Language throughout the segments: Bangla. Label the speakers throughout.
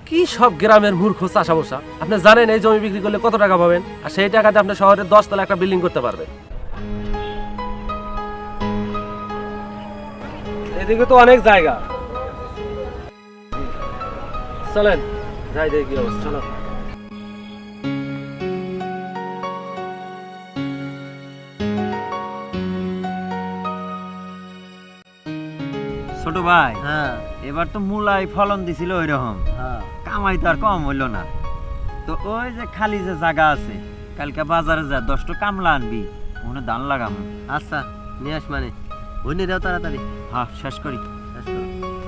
Speaker 1: কি সব গ্রামের মূর্খ চাষা বসা, আপনি জানেন এই জমি বিক্রি করলে কত টাকা পাবেন, আর সেই টাকাতে আপনি শহরের 10 তলা একটা বিল্ডিং করতে পারবেন। এদিকে তো অনেক জায়গা, চলেন যাই দেখি কি অবস্থা। চলো।
Speaker 2: ছোট ভাই,
Speaker 3: হ্যাঁ
Speaker 2: এবার তো মূলাই ফলন দিছিল ওই রকম,
Speaker 3: হ্যাঁ
Speaker 2: কামাই তো আর কম হইলো না। তো ওই যে খালি যে জায়গা আছে, কালকে বাজারে যা 10টা কামলা আনবি, ওখানে ধান লাগাবো।
Speaker 3: আচ্ছা নিয়ে আস, মানে বইনি দাও তাড়াতাড়ি।
Speaker 2: হ্যাঁ, শেষ করি।
Speaker 3: শেষ করো।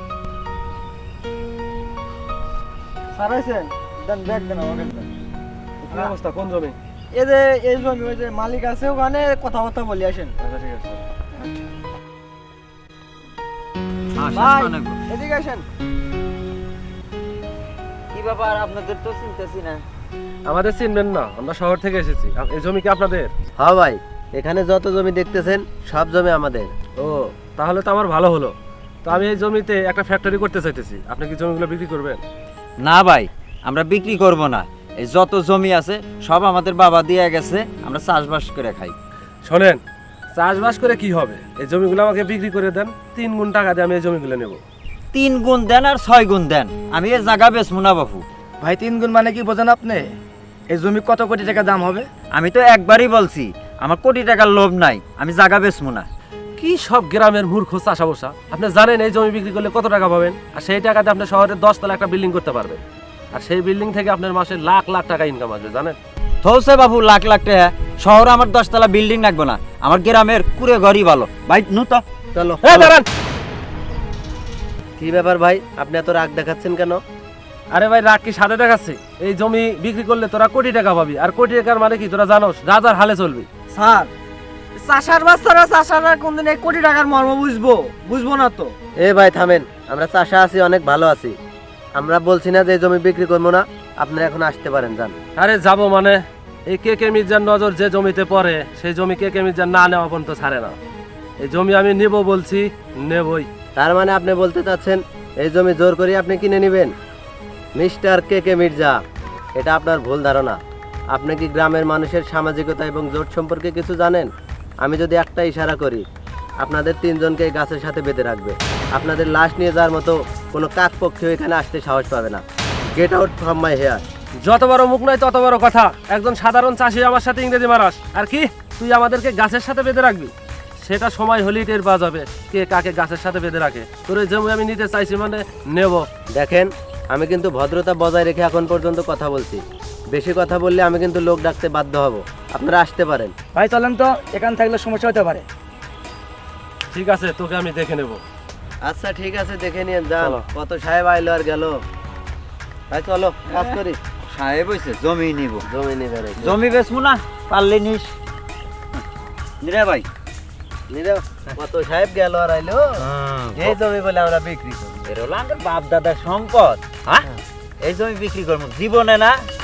Speaker 4: সারাইছেন দেন, ব্যাগ দেন আমাকে দেন।
Speaker 1: কি অবস্থা, কোন জমি?
Speaker 4: এই যে এই জমি, ওই যে মালিক আছে ওখানে কথাবার্তা বলি আসেন।
Speaker 1: আচ্ছা ঠিক আছে।
Speaker 2: হ্যাঁ, শেষ
Speaker 4: ভাই
Speaker 2: করে নেবো।
Speaker 4: এদিকে আসেন।
Speaker 2: কি ব্যাপার, আপনাদের তো চিনতেছি না।
Speaker 1: আমাদের চিনবেন না, আমরা শহর থেকে এসেছি। এই জমি কি আপনাদের?
Speaker 3: হ্যাঁ ভাই, এখানে যত জমি দেখতেছেন সব জমি আমাদের।
Speaker 1: ও, তাহলে তো আমার ভালো হলো। তো আমি এই জমিতে একটা ফ্যাক্টরি করতে চাইতেছি, আপনি কি জমিগুলো বিক্রি করবেন?
Speaker 2: না ভাই, আমরা বিক্রি করব না। এই যত জমি আছে সব আমাদের বাবা দিয়ে গেছে, আমরা চাষবাস করে খাই।
Speaker 1: শোনেন, চাষবাস করে কি হবে, এই জমিগুলো আমাকে বিক্রি করে দেন, 3 গুণ টাকা দিয়ে আমি এই জমিগুলো নেব।
Speaker 2: 3 গুণ দেন আর 6 গুণ দেন, আমি এই জায়গা বেচবো না বাপু।
Speaker 4: ভাই 3 গুণ মানে কি বোঝেন আপনি? এই জমি কত কোটি টাকা দাম হবে?
Speaker 2: আমি তো একবারই বলছি, আমার কোটি টাকার লোভ নাই, আমি জায়গা বেচবো না।
Speaker 1: কি সব গ্রামের মূর্খ চাষা বসা, আপনি জানেন এই জমি বিক্রি করলে কত টাকা পাবেন, আর সেই টাকাতে আপনি শহরের 10 তলা একটা বিল্ডিং করতে পারবেন, আর সেই বিল্ডিং থেকে আপনার মাসে লাখ লাখ টাকা ইনকাম আসবে, জানেন?
Speaker 2: থৌসে বাবু, লাখ লাখ টাকা শহরে আমার 10 তলা বিল্ডিং লাগবে না, আমার গ্রামের কুড়ে ঘরই ভালো। ভাই নু তো
Speaker 3: চলো।
Speaker 1: দাঁড়ান।
Speaker 3: কি ব্যাপার ভাই, আপনি এত রাগ দেখাচ্ছেন কেন?
Speaker 1: আরে ভাই, রাগ কি সাথে দেখাচ্ছি? এই জমি বিক্রি করলে তোরা কোটি টাকা পাবি, আর কোটি টাকার মানে কি তোরা জানোস, রাজার হালে চলবি।
Speaker 4: স্যার, চাষার বাচ্চারা চাষারা কোনদিন এই কোটি টাকার মর্ম বুঝবো না তো।
Speaker 3: এ ভাই থামেন, আমরা চাষা আছি, অনেক ভালো আছি। আমরা বলছি না যে এই জমি বিক্রি করবো না, আপনারা এখন আসতে পারেন, যান।
Speaker 1: আরে যাবো মানে, এই কে কে মির্জার নজর যে জমিতে পড়ে, সেই জমি কে কে মির্জার না নেওয়া পর্যন্ত ছাড়ে না। এই জমি আমি নেব বলছি, নেবই।
Speaker 3: তার মানে আপনি বলতে চাচ্ছেন এই জমি জোর করে আপনি কিনে নেবেন? মিস্টার কে কে মির্জা, এটা আপনার ভুল ধারণা। আপনি কি গ্রামের মানুষের সামাজিকতা এবং জোট সম্পর্কে কিছু জানেন? আমি যদি একটা ইশারা করি, আপনাদের 3 জনকে এই গাছের সাথে বেঁধে রাখবে। আপনাদের লাশ নিয়ে যাওয়ার মতো কোনো কাকপক্ষীও এখানে আসতে সাহস পাবে না। Get out from my hair.
Speaker 1: যত বড় মুখ নয় তত বড় কথা। একজন সাধারণ চাষি আমার সাথে ইংরেজি মারাস, আর কি তুই আমাদেরকে গাছের সাথে বেঁধে রাখবি? সেটা সময় হলেই টের পাওয়া যাবে কে কাকে গাছের সাথে বেঁধে রাখে। তোর এই জমি আমি নিতে চাইছি মানে নেব।
Speaker 3: দেখেন, আমি কিন্তু ভদ্রতা বজায় রেখে এখন পর্যন্ত কথা বলছি। বেশি কথা বললে আমি কিন্তু লোক ডাকতে বাধ্য হব। আপনারা আসতে পারেন।
Speaker 4: ভাই চলেন তো, এখান থাকলে সমস্যা হতে পারে।
Speaker 1: ঠিক আছে, তোকে আমি দেখে নেব।
Speaker 3: আচ্ছা ঠিক আছে, দেখে নিয়ে যান।
Speaker 1: চলো।
Speaker 3: কত সাহেব আইলো আর গেল। ভাই চলো কাজ করি।
Speaker 2: সাহেব হইছে, জমি নিব।
Speaker 3: জমি নিবে রে,
Speaker 2: জমি বেচবো না, পারলে নিস। নিরে ভাই,
Speaker 3: নিবে। কত সাহেব গেল আর আইলো। এই জমি বলে আমরা বিক্রি করি।
Speaker 2: এর হলো আমাদের বাপ দাদার সম্পদ। হ্যাঁ, এই জমি বিক্রি করবো জীবনে না,